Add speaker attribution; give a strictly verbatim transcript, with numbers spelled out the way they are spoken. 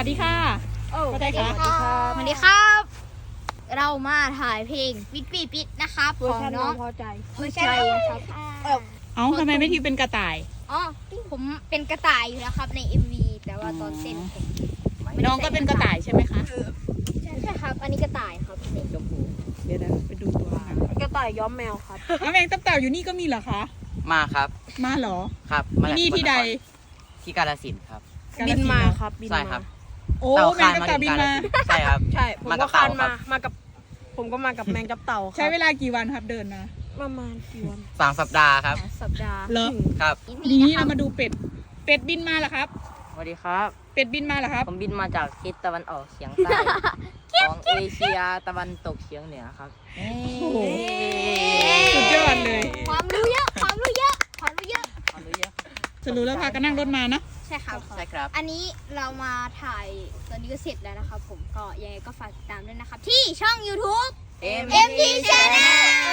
Speaker 1: ดีค่ะก็ได้ค่ะ
Speaker 2: สวัสดีครับ เรามาถ่ายเพลงปิดปีปิดนะครับของน้อง
Speaker 3: พอใจ
Speaker 2: เวอร์ชันน้องครับ
Speaker 1: เอ้าทำไมไม่ทิวเป็นกระต่าย
Speaker 2: อ๋อผมเป็นกระต่ายอยู่แล้วครับใน เอ็ม วี แต่ว่าตอนเต้นผมไม่ได้
Speaker 1: น้องก็เป็นกระต่ายใช่ไหมคะ
Speaker 2: ใช่ใช่ครับ อันนี้กระต่ายครับนี่
Speaker 1: ชมพูเดี๋ยวนะไปดูตัวหนัง
Speaker 3: กระต่ายย้อมแมวครับ
Speaker 1: แล้วแมงตับเต่าอยู่นี่ก็มีเหรอคะ
Speaker 4: มาครับ
Speaker 1: มาเหรอ
Speaker 4: ครับ
Speaker 1: ที่นี่ที่ใด
Speaker 4: ที่กาฬสินธุ์ครับ
Speaker 3: บินมาครับบิน
Speaker 4: ใช่
Speaker 3: มา
Speaker 4: ครับ
Speaker 1: โอ้แมงตับเต่าบินมา
Speaker 4: ใช่ครับ
Speaker 3: ใช่ผม
Speaker 4: มากั
Speaker 3: ก็
Speaker 4: บ
Speaker 3: คาน
Speaker 4: เต่าครั
Speaker 3: มา
Speaker 4: บ
Speaker 3: มากับ ผมก็มากับแมงจับเต่าครับ
Speaker 1: ใช้เวลากี่วันครับเดินมา
Speaker 3: ประมาณกี่วัน
Speaker 4: สามสัปดาห์ครับ
Speaker 2: สัปดาห์
Speaker 1: เหรอ
Speaker 4: ครับ
Speaker 1: ทีนี้เรามาดูเป็ด เป็ดบินมาเหรอครับ
Speaker 5: สวัสดีครับ
Speaker 1: เป็ดบินมาเหรอครับ
Speaker 5: ผมบินมาจากทิศตะวันออกเฉียงใต้ ของเอเชียตะวันตกเฉียงเหนือครับ
Speaker 1: โอ้โห สุดยอดเลย
Speaker 2: ความรู้เยอะ ความรู้เยอะ ความรู้เยอะ
Speaker 5: ความรู้เยอะ
Speaker 1: จะรู้แล้วพากันนั่งรถมาเนาะ
Speaker 2: ใช่ครับ
Speaker 4: ใช่ครับ
Speaker 2: อันนี้เรามาถ่ายตอนนี้ก็เสร็จแล้วนะครับผมก็ยังไงก็ฝากติดตามด้วยนะครับ ที่ช่อง YouTube
Speaker 5: เอ็ม
Speaker 2: เอ็ม ที Channel